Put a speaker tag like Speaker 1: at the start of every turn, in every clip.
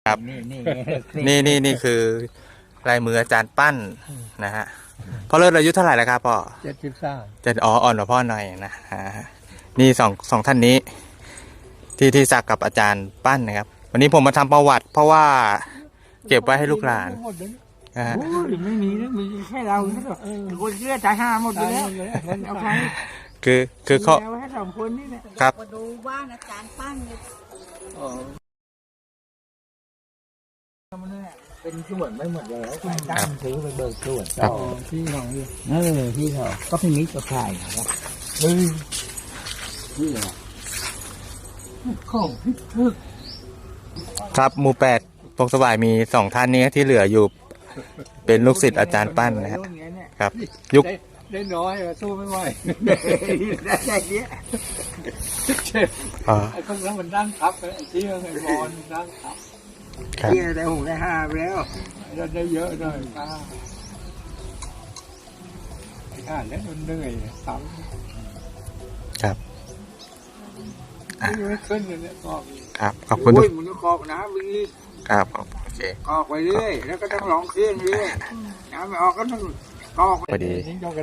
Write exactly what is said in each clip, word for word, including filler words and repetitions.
Speaker 1: ครับนี่นี่นี่คือลายมืออาจารย์ปั้นนะฮะพ่อเลิศอายุเท่าไหร่แล้วครับพ่อ
Speaker 2: เจ็ดสิบสาม
Speaker 1: จะอ๋ออ่อนกว่าพ่อหน่อยนะฮะนี่สองสองท่านนี้ ที่ที่สักกับอาจารย์ปั้นนะครับวันนี้ผมมาทำประวัติ เพราะว่าเก็บไว้ให้ลูกหลาน
Speaker 3: นะฮะไม่มีนะมีแค่เราคนเชื่อตายห้าหมดไปแล้วเอาใคร
Speaker 1: คือคือเขา
Speaker 3: ให้สองคนนี่แหละ
Speaker 1: ครับ
Speaker 4: มาดูบ้านอาจารย์ปั้นเนี่ย
Speaker 3: เป็นส่วนไม่หมดแล้วใครตั้งซื้อไปเบิกส่วนต่อที่ของเออที่เขาก็พี่มิตรก็ขายครับเฮ้ยนี่แหละของพิทึก
Speaker 1: ครับหมู่แปดพงสวายมีสองท่านนี้ที่เหลืออยู่เป็นลูกศิษย์อาจารย์ปั้นนะครับครับยุค
Speaker 2: ได้น้อยสู้ไม่ไหว
Speaker 3: ได้แค่นี้
Speaker 2: เจ็บไอ้คนนั้นมันดั้งทับไอ้ที่ไอ้บอลดั้งทับ
Speaker 3: ที่ได้หกได้ห้าแล้ว
Speaker 2: ได้เยอะเลยป้าไอ้ข้าแล้วมันเหนื่อยซ้
Speaker 1: ำครับ
Speaker 2: ไม่ขึ้นเลยเนี่ยก็
Speaker 1: ครับขอบคุณ
Speaker 3: ทุกมันก็กอกน้ำวิ่ง
Speaker 1: ครับโอเค
Speaker 3: กอกไปเรื่อยแล้วก็ต้องลองเครื่องเรื่อยน้ำไม่ออกก็ต้องกอก
Speaker 1: พอดี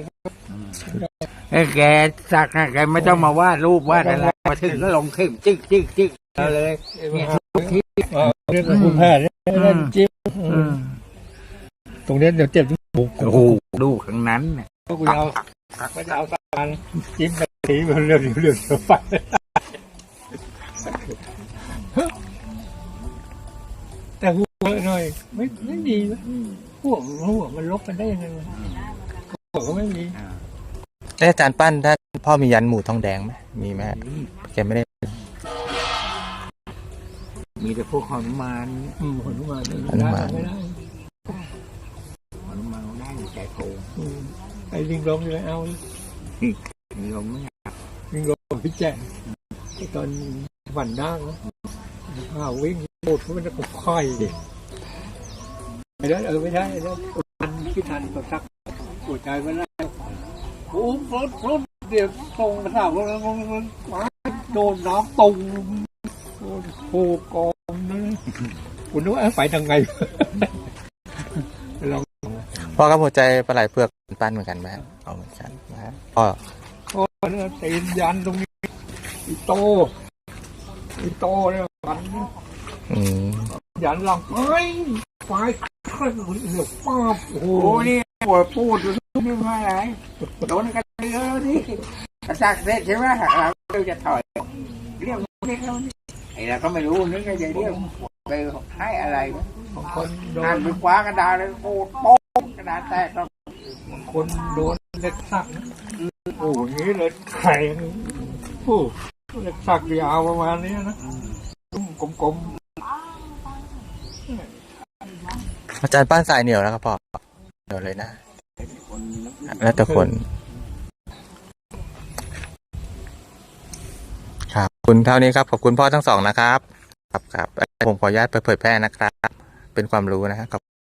Speaker 3: แกสักแกไม่ต้องมาวาดรูปวาดอะไรมาถึงก็ลงขึ้นจิ๊กจิ๊กจิ๊กเลยเนี่ยทุกที่
Speaker 2: เรื่องคุณแพทย์เล่นจิ๊บตรงนี้เดี๋ยวเจ็บที่บุก
Speaker 3: โอ้โหดูข้างนั้นเนี่ย
Speaker 2: ก็กูเอาไม่จะเอาตาจิ้มไปทีมันเรื่องเรื่องเดี๋ยวไปแต่หัวหน่อยไม่ไม่ดีนะหัวหัวมันลบกันได้ยังไงหัวก็ไม่มี
Speaker 1: อาจารย์ปั้นถ้าพ่อมียันหมู่ทองแดงไหมมีไหมแกไม่ได้
Speaker 3: มีแต่พวกหนุมาน
Speaker 2: อืมหนุมาน
Speaker 1: หนุมาน
Speaker 3: ไม่ได้หนุมานได้ใจโผล่
Speaker 2: ไอ้ลิงลมเลยเอา
Speaker 3: ลิงลมไม่
Speaker 2: ลิงลมพี่แจ๊ตอนหวันด้างนะข้าววิ่งโคตรมันจะกบค่อยดิไม่ได้เออไม่ได้แล้วทันคิดทันก็สักปวดใจไม่ได้โอ้รถรถเดี๋ยวตรงมาถามว่ามันมันโดนน้ำตุ่มโผล่กองนะคุณนึกว่าไปทางไงลอง
Speaker 1: พ่อกับหัวใจปลาไหลเผือกปั้นเหมือนกันไหมเอาเหมือนกันนะพ่อ
Speaker 2: พ่อเนี่ยตีนยันตรงนี้อีโตอีโตเนี่ยยันยันหลังเฮ้ยไฟขึ้นเหลือป้าโอ้โห
Speaker 3: นี่ปวดปูดอยู่นี่มาไหนโดนกันเยอะนี่กระซักเสร็จใช่ไหมเราจะถอยเรียกเรียกเราไอ้เราก็ไม่รู้นึกว่าจะเรียกไปให้อะไร
Speaker 2: คนโด
Speaker 3: นไปคว้ากระดาษเลยโอ้โป๊กกระดาษแตกแล้ว
Speaker 2: คนโดนเล็กสักโอ้ยนี้เลยแข็งโอ้เล็กสักยาวประมาณนี้นะกลม
Speaker 1: ๆอาจารย์ปั้นสายเหนียวนะครับพ่อเดี๋ยวเลยนะแล้วแต่คนครับคุณเท่านี้ครับขอบคุณพ่อทั้งสองนะครับครับครับผมขออนุญาตไปเผยแพร่นะครับเป็นความรู้นะครับ